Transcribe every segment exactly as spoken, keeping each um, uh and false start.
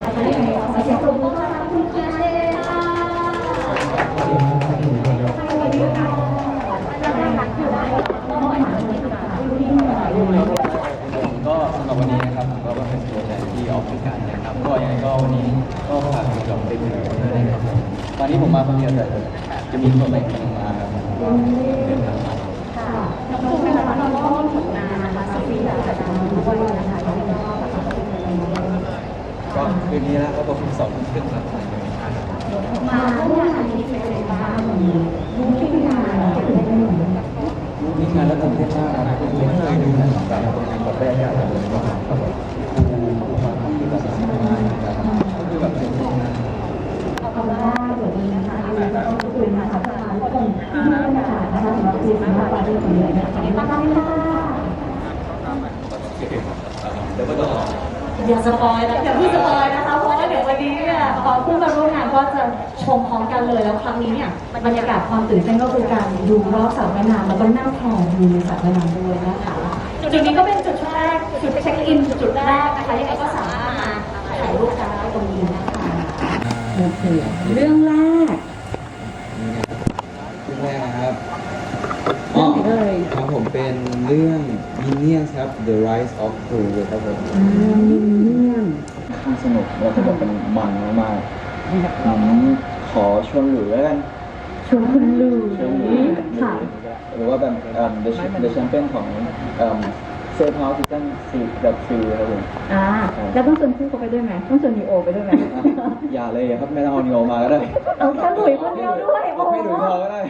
นะคะยังไงขอเสียงปรบมือต้อนรับคุณเคียเช่ค่ะสวัสดีค่ะก็สำหรับวันนี้นะครับผมก็เป็นตัวแทนที่ออกรายการนะครับก็ยังไงก็วันนี้ก็ฝากคุณจอมเป็นด้วยนะครับผมวันนี้ผมมาคนเดียวแต่จะมีคนใหม่คนมาครับก็เดินทางมาค่ะน้องเป็นนะคะน้องก็มีผลงานนะคะซีรีส์จากการด้วยนะคะที่ก็ก็คืนนี้แล้วก็ต้องสองทุ่มครึ่งครับมาร่วมงานนี้เป็นอะไรบ้างรู้ที่งานนี่งานแล้วตื่นเต้นมากครับไม่เคยดูหนังแบบแบบแรกๆเลยว่าแบบความที่แบบซีรีส์นะครับก็คือแบบเป็นงานขอบคุณมากสวัสดีนะคะวันนี้ก็ต้องขอบคุณนะคะทุกคนที่มาเป็นนะคะนะคะสำหรับซีรีส์มาปาร์ตี้ของเรานะคะขอบคุณมากค่ะเดี๋ยวก็ต้องอย่าสปอยนะอย่าพูดสปอยนะคะเพราะว่าเดี๋ยววันนี้เนี่ยพอผู้มาร่วมงานก็จะชมพร้อมกันเลยแล้วครั้งนี้เนี่ยบรรยากาศความตื่นเต้นก็คือการดูรอบสระว่ายน้ำแล้วก็นั่งแพดูในสระว่ายน้ำด้วยนะคะจุดนี้ก็เป็นจุดแรกจุดเช็คอินจุดแรกนะคะยังไงก็สามารถมาถ่ายรูปกันได้ตรงนี้นะคะโอเคเรื่องแรกเรื่องแรกนะครับอ๋อครับผมเป็นเรื่อง Minions ครับ The Rise of Gru ครับผมมินเนี่ยนค่อนข้างสนุกแล้วก็แบบเป็นมันมากๆผมขอชวนหลุยแล้วกันชวนคุณลุยชวนหลุยค่ะหรือว่าแบบเอ่อ The The Champion ของเอ่อเซฟเฮาส์ซีซั่นสี่แบบสี่ครับผมอ่าแล้วต้องชวนคู่เขาไปด้วยไหมต้องชวนนีโอไปด้วยไหมอย่าเลยครับไม่ต้องเอานีโอมาก็ได้เอาแค่หลุยคนเดียวด้วยโอ้ไม่หลุยพอก็ได้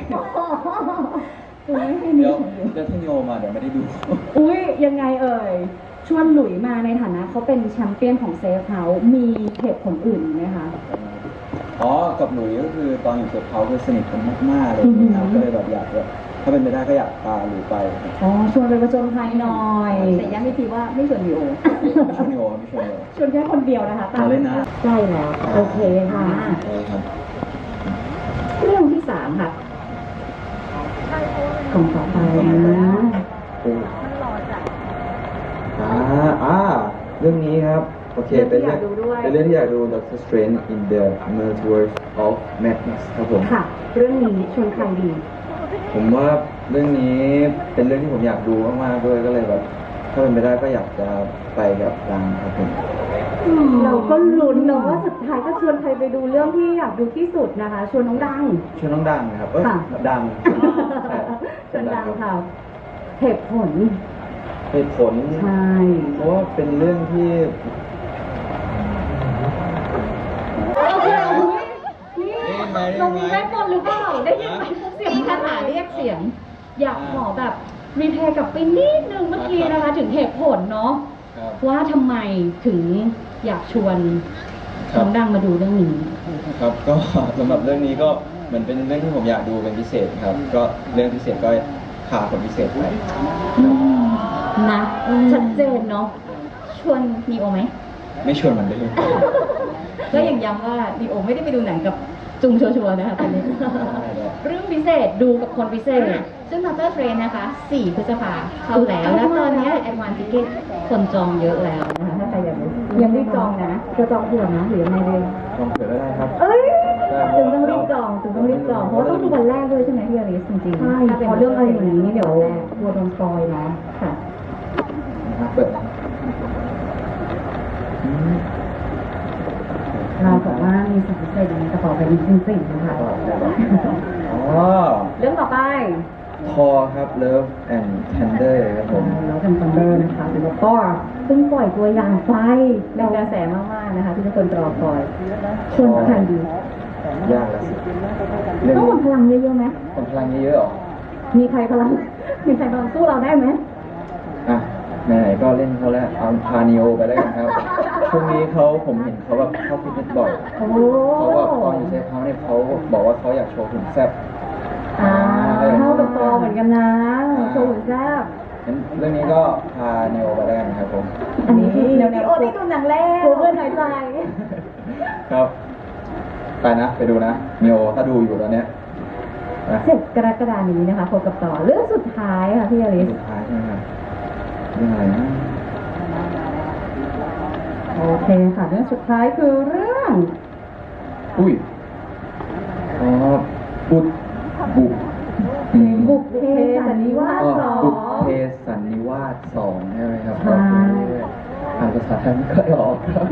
เดี๋ยวเดี๋ยวถ้านีโอมาเดี๋ยวไม่ได้ดูอุ้ยยังไงเอ่ยชวนหลุยมาในฐานะเขาเป็นแชมเปี้ยนของเซฟเฮาส์มีเหตุผลอื่นไหมคะอ๋อกับหลุยก็คือตอนอยู่เซฟเฮาส์คือสนิทกันมากๆเลยนะครับก็เลยแบบอยากแบบถ้าเป็นไปได้ก็อยากตามหลุยไปอ๋อชวนไปประจนภัยหน่อยแต่ย้ำอีกทีว่าไม่ชวนนีโอไม่ชวนนีโอไม่ชวนเลยชวนแค่คนเดียวนะคะตามเล่นนะใช่แล้วโอเคค่ะเรื่องที่สามค่ะกล่องต่อไปนะอ่าอ่าเรื่องนี้ครับโอเคเป็นเรื่องเป็นเรื่องที่อยากดู Doctor Strange in the Multiverse of Madness ครับผมค่ะเรื่องนี้ชวนใครดีผมว่าเรื่องนี้เป็นเรื่องที่ผมอยากดูมากๆด้วยก็เลยแบบถ้าเป็นไปได้ก็อยากจะไปกับดังครับผมเราก็ลุ้นเนาะว่าสุดท้ายก็ชวนใครไปดูเรื่องที่อยากดูที่สุดนะคะชวนน้องดังชวนน้องดังนะครับเออดังชวนดังค่ะเหตุผลเหตุผลใช่เพราะว่าเป็นเรื่องที่เรามีแม่บอลหรือเปล่าได้ยินไหมเสียงคาถาเรียกเสียงอยากขอแบบรีเพลย์กับไปนิดนึงเมื่อกี้นะคะถึงเหตุผลเนาะว่าทำไมถึงอยากชวนน้องดังมาดูเรื่องนี้ครับก็สำหรับเรื่องนี้ก็เหมือนเป็นเรื่องที่ผมอยากดูเป็นพิเศษครับก็เรื่องพิเศษก็พาคนพิเศษไปนะชัดเจนเนาะชวนนีโอไหมไม่ชวนมันได้เลยก็ยังย้ำว่านีโอไม่ได้ไปดูหนังกับจุงชัวร์ๆนะคะตอนนี้เรื่องพิเศษดูกับคนพิเศษซึ่ง Doctor Strange นะคะสี่พฤษภาเข้าแล้วแล้วตอนนี้แอดวานซ์ทิเก็ตคนจองเยอะแล้วนะคะถ้าใครอยากดูยังรีบจองนะจะจองเผื่อนะหรือยังไงเลยจองเผื่อได้ครับเอ้ยถึงต้องรีบจองถึงต้องรีบจองเพราะต้องดูวันแรกด้วยใช่ไหมพี่อลิสจริงๆใช่เพราะเรื่องอะไรอย่างนี้เดี๋ยวกลัวโดนซอยนะค่ะเปิดเราบอกว่ามีสิ่งพิเศษในกระเป๋าเป็นจริงๆนะคะอ๋อเรื่องต่อไปทอครับ Love and Thunder ครับผม Love and Thunder นะคะแล้วก็เพิ่งปล่อยตัวอย่างไฟเป็นกระแสมากๆนะคะที่ทุกคนรอคอยชวนใครดียากแล้วสิต้องหมดพลังเยอะๆไหมหมดพลังเยอะๆหรอมีใครพลังมีใครพลังสู้เราได้ไหมอ่ะไหนๆก็เล่นเขาแล้วเอาพานิโอไปแล้วกันครับช่วงนี้เขาผมเห็นเขาแบบเข้าฟิตเนสบ่อยเขาแบบตอนอยู่เซฟเฮาส์เนี่ยเขาบอกว่าเขาอยากโชว์หุ่นแซ่บอ่าเท่ากับตอเหมือนกันนะโชว์หุ่นแซ่บเรื่องนี้ก็พานิโอไปแล้วกันครับผมอันนี้คือแนวๆโอ้ที่ดูหนังแรกเพื่อนหน่อยใจครับไปนะไปดูนะนิโอถ้าดูอยู่ตอนเนี้ยเจ็ดกรกฎาคมนี้นะคะพบกับต่อเรื่องสุดท้ายค่ะพี่อลิสสุดท้ายใช่ไหมครับเรื่องอะไรนะโอเคค่ะเรื่องสุดท้ายคือเรื่องอุ้ยอ๋อบุกบุกอืมบุกเพสันนิวาสอ๋อสอบุกงเพสันนิวาสสองใช่ไหมครับใช่อ่านภาษาไทยไม่ค่อยออกครับ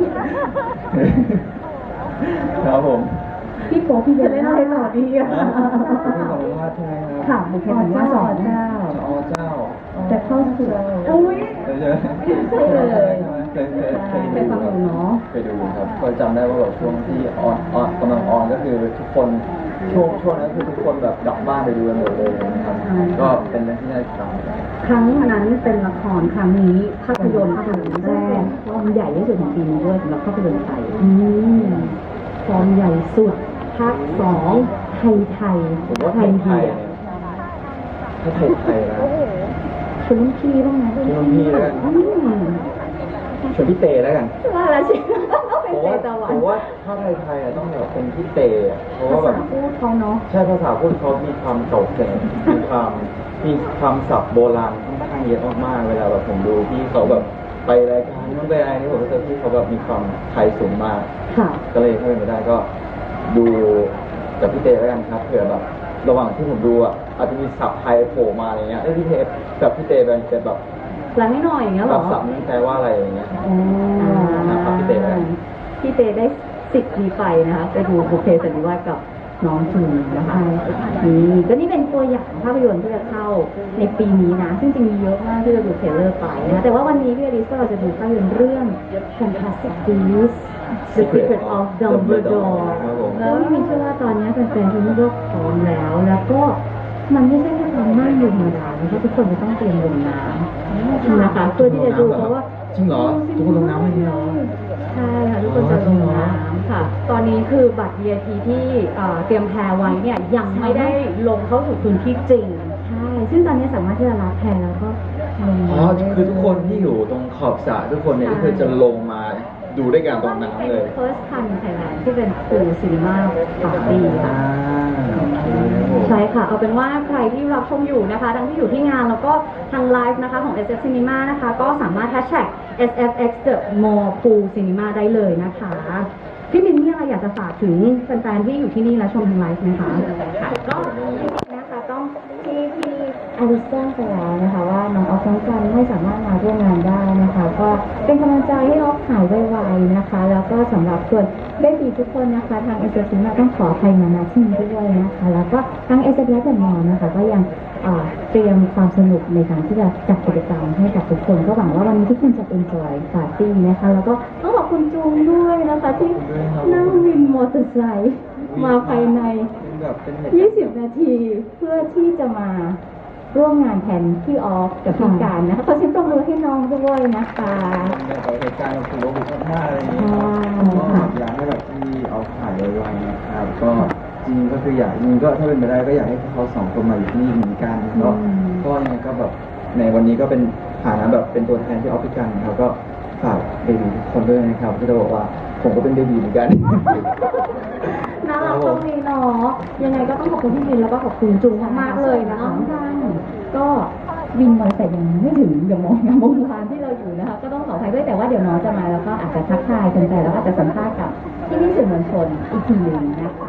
ครับผมพี่โป๊พี่จะเล่นอะไรต่อดีอ่ะบุกเพสันนิวาสใช่ไหมครับค่ะบุกเพสันนิวาสสองเจ้าอ๋อเจ้าแต่เข้าคืออุ้ยเคยเจอใช่เลยเคยเคยเคยเคยฟังอยู่เนาะเคยดูครับก็จำได้ว่าแบบช่วงที่ออนออนกำลังออนก็คือทุกคนช่วงช่วงนั้นคือทุกคนแบบกลับบ้านไปดูกันหมดเลยนะครับใช่ก็เป็นเรื่องที่น่าติดตามครั้งนั้นเป็นละครครั้งนี้ภาพยนตร์ครั้งแรกฟอร์มใหญ่ที่สุดของปีนี้ด้วยสำหรับภาพยนตร์ไทยอืมฟอร์มใหญ่สุดภาคสองไทยไทยผมว่าไทไทยยเดียวไทยถ้าไทยไทยนะชวนรุ่นพี่บ้างไหมชวนรุ่นพี่แล้วกันอืมชวนพี่เตแล้วกันว่าแล้วใช่ไหมต้องเป็นผมเตว่าตะวัผนมว่าถ้าไทยไทยอะต้องแบบเป็นพี่เตอะเพราะภาว่าแบบษาพูดเขาเนาะใช่ภาษาพูดเขามีความเก่าแก่มีความมีคำศัพท์โบราณค่อนข้างเยอะมากๆเวลาแบบผมดูพี่เขาแบบไปรายการนู้นไปอะไรนี่ผมรู้สึกพี่เขาแบบมีความไทยสูงมากค่ะก็เลยถ้าเป็นไปได้ก็ดูกับพี่เตแล้วกันครับเผื่อแบบระหว่างที่ผมดูอ่ะอาจจะมีศัพท์ไทยโผล่มาอะไรเงี้ยเอ้ยพี่เตกับพี่เตเป็นเป็นแบบแปลให้หน่อยอย่างเงี้ยเหแบรบอศัพท์นี้แปลว่าอะไรอย่างเงี้ยอ๋อนะครับพี่เต้แล้วกันพี่เตได้สิทธิ์นี้ไปนะคะไปดูบุพเพสันนิวาสกับน้องจูนนะคะนี่ก็นี่เป็นตัวอย่างภาพยนตร์ที่จะเข้าในปีนี้นะ ซึ่งจริงมีเยอะมากที่จะดูเทรลเลอร์ไปนะแต่ว่าวันนี้พี่อลิสก็เราจะดูภาพยนตร์เรื่อง Fantastic Beasts The Secret of Dumbledore ครับผมแล้วพี่มินเชื่อว่าตอนนี้แฟนๆทุกคนก็พร้อมแล้ว แล้วก็มันไม่ใช่แค่ความน่าอยู่ธรรมดานะคะทุกคนจะต้องเตรียมลงน้ำนะคะเพื่อที่จะดูเพราะว่าจริงเหรอทุกคนลงน้ำเลยเหรอใช่ค่ะทุกคนจะลงน้ำค่ะ ตอนนี้คือบัตร วี ไอ พี ที่เอ่อเตรียมแพรไว้เนี่ยยังไม่ได้ลงเข้าสู่พื้นที่จริง ใช่ ซึ่งตอนนี้สามารถที่จะรับแพรแล้วก็ลงอ๋อได้คือทุกคนที่อยู่ตรงขอบสระทุกคนเนี่ยก็คือจะลงมาดูด้วยกันตรงน้ำเลยเป็น first time in Thailand ที่เป็นฟูลซีนีมาปาร์ตี้ค่ะโอเคครับผมใช่ค่ะ เอาเป็นว่าใครที่รับชมอยู่นะคะทั้งที่อยู่ที่งานแล้วก็ทางไลฟ์นะคะของ เอส เอฟ Cinema นะคะ ก็สามารถแฮชแท็ก เอส เอฟ เอ็กซ์ The Mall Pool Cinema ได้เลยนะคะ พี่มินมีอะไรอยากจะฝากถึงแฟนๆที่อยู่ที่นี่และชมทางไลฟ์ไหมคะค่ะก็นะคะต้องที่พี่อาริสแจ้งไปแล้วนะคะว่าน้องออฟน้องจันไม่สามารถมาร่วมงานได้นะคะ ก็เป็นกำลังใจให้ออฟหายไวๆนะคะ แล้วก็สำหรับส่วนเบบีทุกคนนะคะ ทางเอเชียซิมาต้องขออภัยมาณที่นี้ด้วยนะคะ แล้วก็ทางเอเชียและมอนะคะ ก็ยังเอ่อเตรียมความสนุกในการที่จะจัดกิจกรรมให้กับทุกคน ก็หวังว่าวันนี้ทุกคนจะ enjoy ปาร์ตี้นะคะ แล้วก็ต้องขอบคุณจูงด้วยนะคะที่นั่งวินมอเตอร์ไซค์มาภายในเป็นแบบเป็นเหตุยี่สิบนาทีเพื่อที่จะมาร่วมงานแทนพี่ออฟกับพี่การนะคะขอเสียงปรบมือให้น้องด้วยนะคะแบบเหตุการณ์แบบถือว่าบุกมากๆอะไรอย่างเงี้ยใช่ก็อยากให้แบบที่เอาถ่ายไวๆนะครับ ก็จริงก็คืออยากจริงก็ถ้าเป็นไปได้ก็อยากให้พวกเขาสองคนมาอยู่ที่นี่เหมือนกันก็ก็ยังไงก็แบบในวันนี้ก็เป็นฐานะแบบเป็นตัวแทนที่ออฟฟิศกันนะครับก็ฝากเบบีทุกคนด้วยนะครับที่จะบอกว่าผมก็เป็นเบบีเหมือนกันน่ารักตรงนี้เนาะยังไงก็ต้องขอบคุณพี่บินแล้วก็ขอบคุณจุงมากๆเลยนะคะ ก็วินมอเตอร์ไซค์ยังไม่ถึงเดี๋ยวมองงานโรงงานที่เราอยู่นะคะ ก็ต้องขออภัยด้วยแต่ว่าเดี๋ยวน้องจะมาแล้วก็อาจจะทักทายกันแต่แล้วอาจจะสัมภาษณ์กับพี่พี่ๆสื่อมวลชนอีกทีหนึ่งนะคะ